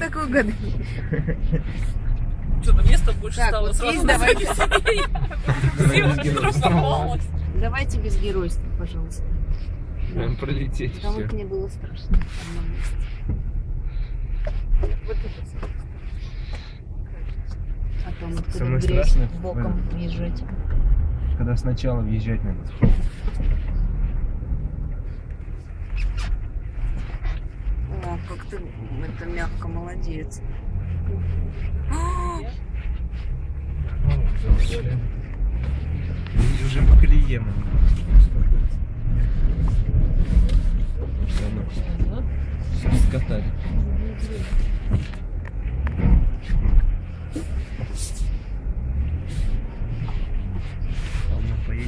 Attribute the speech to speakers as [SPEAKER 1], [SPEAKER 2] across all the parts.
[SPEAKER 1] как вы угадали?
[SPEAKER 2] Что-то места больше
[SPEAKER 1] Так,
[SPEAKER 2] стало.
[SPEAKER 1] вот
[SPEAKER 2] Сразу
[SPEAKER 1] здесь давайте.
[SPEAKER 2] Трансформовалось.
[SPEAKER 1] Давайте без геройства, пожалуйста.
[SPEAKER 3] Нам пролететь
[SPEAKER 1] Потому
[SPEAKER 3] все.
[SPEAKER 1] что мне было страшно в одном месте. Вот это самое страшное. А то мы туда
[SPEAKER 3] Самое
[SPEAKER 1] в грязь
[SPEAKER 3] страшное
[SPEAKER 1] боком въезжать.
[SPEAKER 3] Когда сначала въезжать надо.
[SPEAKER 1] О, как ты это мягко, молодец.
[SPEAKER 3] Уже по колее мы. Скатали. Ладно, поедем.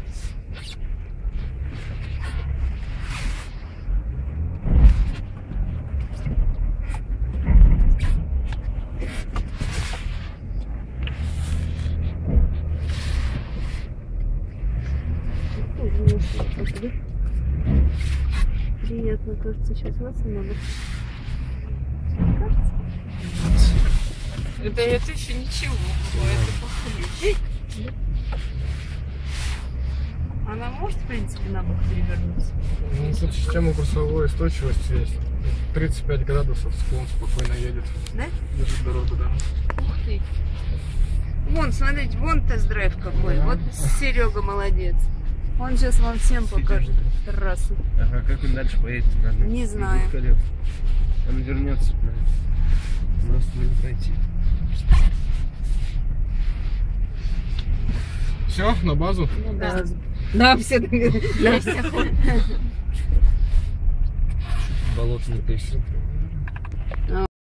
[SPEAKER 1] Приятно, кажется, сейчас вас много.
[SPEAKER 2] Это еще ничего. Это похуй.
[SPEAKER 1] Она может, в принципе, на бок перевернуться?
[SPEAKER 4] Ну, тут система курсовой устойчивости есть. 35 градусов, склон спокойно едет.
[SPEAKER 1] Да?
[SPEAKER 4] Держит дорогу, да.
[SPEAKER 2] Ух ты.
[SPEAKER 1] Вон, смотрите, вон тест-драйв какой. Вот Серега молодец. Он сейчас вам всем покажет трассу.
[SPEAKER 3] Ага, как он дальше поедет? Надо
[SPEAKER 1] Не знаю.
[SPEAKER 3] колес. Он вернется. Просто не пройти.
[SPEAKER 4] Все, на базу?
[SPEAKER 1] Ну, да. Да, все. Да, все.
[SPEAKER 3] Болото не пишет.